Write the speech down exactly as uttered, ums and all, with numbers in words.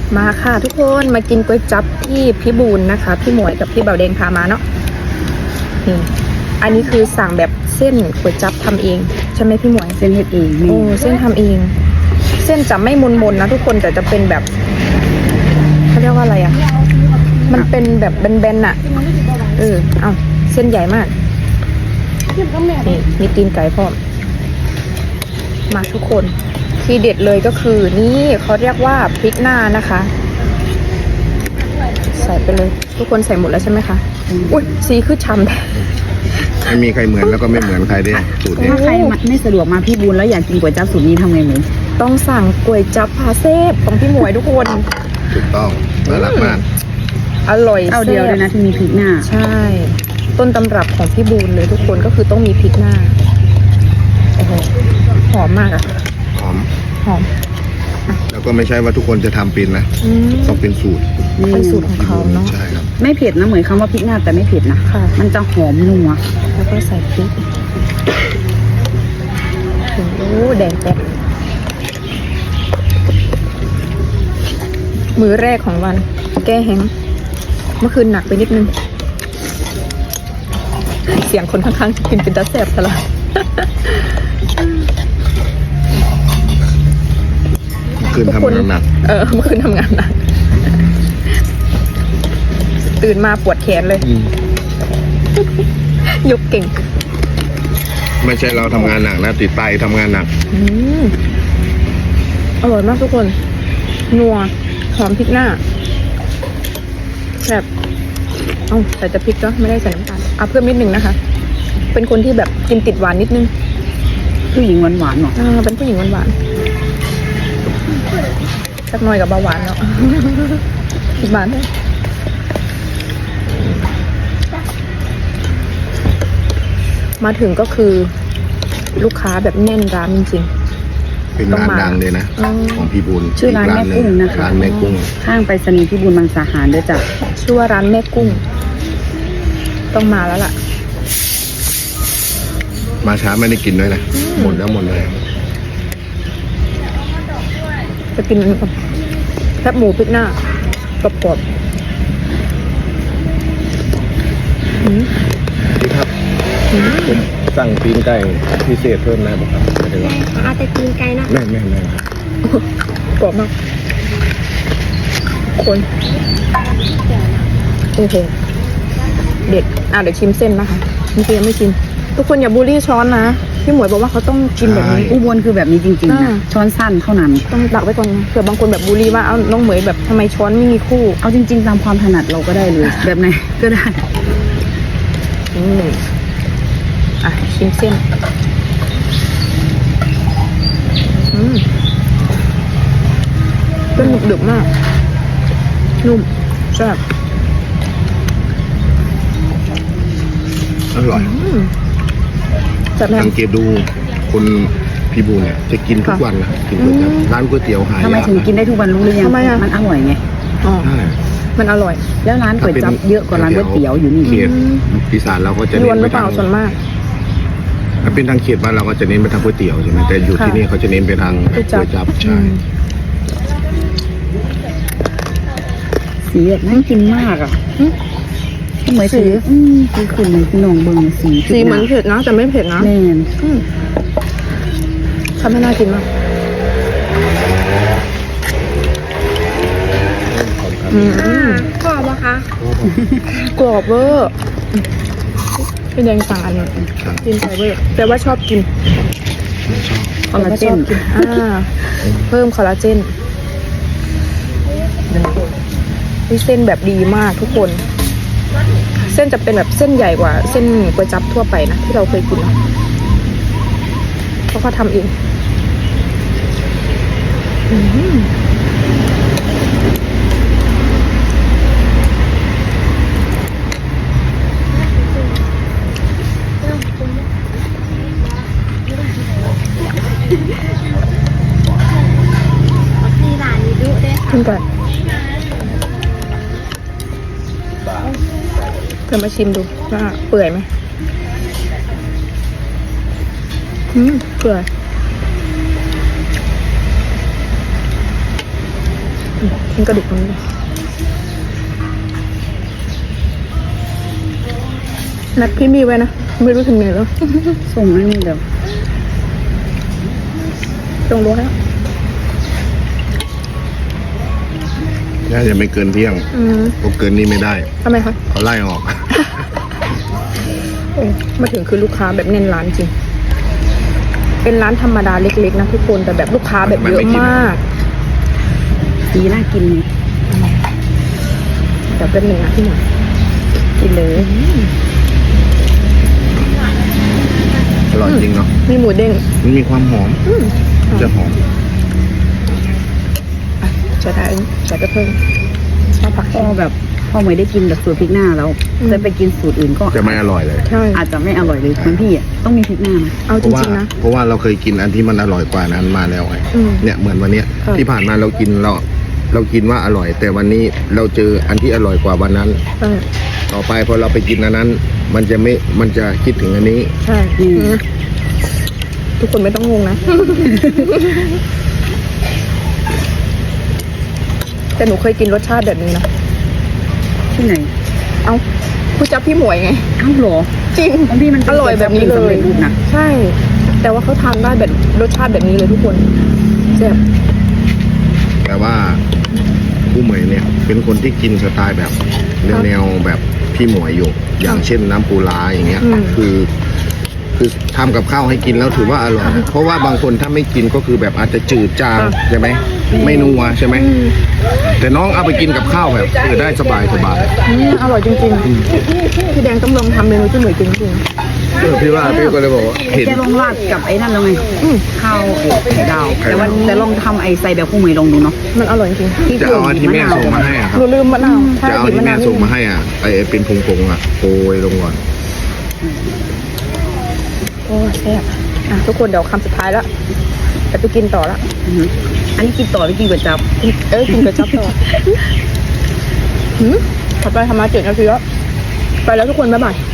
มาค่ะทุกคนมากินก๋วยจั๊บที่พี่บูนนะคะพี่หมวยกับพี่เบาแดงพามาเนาะนี่อันนี้คือสั่งแบบเส้นก๋วยจั๊บทำเองใช่ไหมพี่หมวยเส้นเฮ็ดเองโอ้เส้นทำเองเส้นจะไม่มนๆนะทุกคนแต่จะเป็นแบบเขาเรียกว่าอะไรอ่ะมันเป็นแบบแบนๆอ่ะเออเอาเส้นใหญ่มากนี่มีตีนไก่พร้อมมาทุกคนที่เด็ดเลยก็คือนี่เขาเรียกว่าพริกหน้านะคะใส่ไปเลยทุกคนใส่หมดแล้วใช่ไหมคะอุ้ยสีคือช้ำไม่มีใครเหมือนแล้วก็ไม่เหมือนใครด้วยสูตรนี้ถ้าใครไม่สะดวกมาพี่บุญแล้วอยากกินก๋วยจั๊บสูตรนี้ทำไงหมูต้องสั่งก๋วยจั๊บพาเซฟของพี่หมวยทุกคนถูกต้องน่ารักมากอร่อยเอาเดียวเลยนะที่มีพริกหน้าใช่ต้นตำรับของพี่บูนเลยทุกคนก็คือต้องมีพริกหน้าโอ้โหหอมมากอะหอมหอมแล้วก็ไม่ใช่ว่าทุกคนจะทำเป็นนะต้องเป็นสูตรเป็นสูตรของเขาเนาะใช่ครับไม่เผ็ดนะเหมือนคำว่าพริกหน้าแต่ไม่เผ็ดนะค่ะมันจะหอมนัวแล้วก็ใส่พริกโอ้แดงแป๊บมื้อแรกของวันแก้แห้งเมื่อคืนหนักไปนิดนึงเสียงคนข้างๆกินเป็นตาแสบซะละคืนทำงานหนักเออเมื่อคืนทำงานหนักตื่นมาปวดแขนเลยยกเก่งไม่ใช่เราทำงานหนักนะติดไตทำงานหนักอืมอร่อยมากทุกคนนัวหอมพริกหน้าแบบเอ้าใส่แต่พริกก็ไม่ได้ใส่น้ำตาลเอาเพิ่มนิดนึงนะคะเป็นคนที่แบบกินติดหวานนิดนึงผู้หญิงหวานหวานหรออ่าเป็นผู้หญิงหวานหวานสักหน่อยกับเบาหวานเนาะติดหวานเลยมาถึงก็คือลูกค้าแบบแน่นร้านจริงๆเป็นร้านดังเลยนะของพี่บุญชื่อร้านแม่กุ้งนะคะร้านแม่กุ้งข้างไปรษณีย์พี่บุญบางสาหารด้วยจ้ะชื่อว่าร้านแม่กุ้งต้องมาแล้วล่ะมาช้าไม่ได้กินด้วยนะหมดแล้วหมดเลยจะกินแคบหมูพริกหน้ากรอบๆพี่ครับผมสั่งตีนไก่พิเศษเพิ่มนะบอกครับไม่ได้ว่าอาจจะตีนไก่นะแม่แม่แม่กรอบมากคนโอเคเด็ดอ่ะเดี๋ยวชิมเส้นนะคะนี่คือยังไม่ชิมทุกคนอย่าบูลลี่ช้อนนะพี่หมวยบอกว่าเขาต้องกินแบบนี้อุบลคือแบบนี้จริงๆนะช้อนสั้นเท่านั้นต้องตักไว้ก่อนเผื่อบางคนแบบบูลลี่ว่าเอาน้องเหมยแบบทำไมช้อนไม่มีคู่เอาจริงๆตามความถนัดเราก็ได้เลยแบบไหนก็ได้อืมอ่ะชิมเส้นอืมเป็นหนึบดึกมากนุ่มแซ่บอร่อยสังเกตดูคนพี่บูเนี่ยจะกินทุกวันนะกินก๋วยจั๊บร้านก๋วยเตี๋ยวหายากทำไมถึงกินได้ทุกวันรู้หรือยังมันอร่อยไงอ๋อมันอร่อยแล้วร้านก๋วยจั๊บเยอะกว่าร้านก๋วยเตี๋ยวอยู่นี่เขตอีสานเราก็จะเน้นไปทางส่วนมากถ้าเป็นทางเขตบ้านเราก็จะเน้นไปทางก๋วยเตี๋ยวใช่ไหมแต่อยู่ที่นี่เขาจะเน้นไปทางก๋วยจั๊บใช่สีแบบน่ากินมากอ่ะเหมือนสีอืมสีขุ่นเหมือนพี่น้องเบิ้งสีสีเหมือนเผ็ดนะแต่ไม่เผ็ดนะแน่นทำให้น่ากินมากกรอบปะคะกรอบเวอร์พี่แดงสั่งอันนี้กินไปเวอร์แต่ว่าชอบกินคอลลาเจนอ่าเพิ่มคอลลาเจนนี่เส้นแบบดีมากทุกคนเส้นจะเป็นแบบเส้นใหญ่กว่าเส้นก๋วยจั๊บทั่วไปนะที่เราเคยกินนะเพราะเขาทำเองขึ้นก่อนเธอมาชิมดูว่าเปื่อยไหมอืมเปื่อยอืมกินกระดูกตรงนี้นัดพี่มีไว้นะไม่รู้ถึงไหนแล้วส่งอันนี้เดี๋ยวตรงรั้วแล้วน่าจะไม่เกินเที่ยงอืมเพราะเกินนี้ไม่ได้ทำไมคะเขาไล่ออกโอ้มาถึงคือลูกค้าแบบแน่นร้านจริง เป็นร้านธรรมดาเล็กๆนะทุกคนแต่แบบลูกค้าแบบเยอะมากสีน่ากินไงเดี๋ยวเป็นหนึ่งนะพี่หน่อยกินเลยอร่อยจริงเนาะมีหมูเด้งมันมีความหอมอืมจะหอมอ่ะใส่ได้ใส่กระเพิ่มชอบผักพอแบบพอไม่ได้กินแบบสูตรพริกหน้าแล้วอืมจะไปกินสูตรอื่นก็จะไม่อร่อยเลยใช่อาจจะไม่อร่อยเลยเหมือนพี่อ่ะต้องมีพริกหน้านะเอาเพจราะว่าริงๆนะเพราะว่าเราเคยกินอันที่มันอร่อยกว่านั้นมาแล้วไงอืมเนี่ยเหมือนวันเนี้ยครับที่ผ่านมาเรากินเราเรากินว่าอร่อย แต่วันนี้เราเจออันที่อร่อยกว่าวันนั้นใช่ต่อไปพอเราไปกินอันนั้น มันจะไม่มันจะคิดถึงอันนี้ใช่อืมอืมทุกคนไม่ต้องงงนะ แต่หนูเคยกินรสชาติแบบนี้นะที่ไหนเอาผู้จับพี่หมวยไงอ้าวเหรอจริงของพี่มันเป็นอร่อยแบบนี้เลสำยเร็จรูปนะใช่ แต่ว่าเขาทานได้แบบรสชาติแบบนี้เลยทุกคนแซ่บแต่ว่าผู้เหมยเนี่ย เป็นคนที่กินสไตล์แบบแนวๆแบบพี่หมวยอยู่ อย่างเช่นน้ำปูร้าอย่างเงี้ยอืมคือ คือทำกับข้าวให้กินแล้วถือว่าอร่อย เพราะว่าบางคนถ้าไม่กินก็คือแบบอาจจะจืดจางใช่ไหมไม่นัวใช่ไหมอืมแต่น้องเอาไปกินกับข้าวแบบเออได้สบายสบายอืมอร่อยจริงๆพี่แดงต้องลองทำเมนูที่หมวยกินจริงเออพี่ว่าพี่ก็เลยบอกว่าเห็นแกลองราดกับไอ้นั่นแล้วไงๆอืมข้าวไอ้ไข่ดาวไข่แต่ว่าดาวแต่ลองทำไอ้ใส่แบบผู้เหมยลองดูเนาะมันอร่อยจริงที่จะเอาอันที่แม่ส่งมาให้อะคหรับนูลืมมะนาวจะเอาที่แม่ส่งมาให้อ่ะไอเป็นพงๆอ่ะโปรยลงก่อนโอ้แซ่บอ่ะทุกคนเดี๋ยวคำสุดท้ายแล้วแต่ไปกินต่อละอือหืออันนี้กินต่อไปกินก๋วยจั๊บเอ้ยกินกระจับต่อหืมถัดไปทำมาเจ็ดนาทีแล้วไปแล้วทุกคนบ๊ายบาย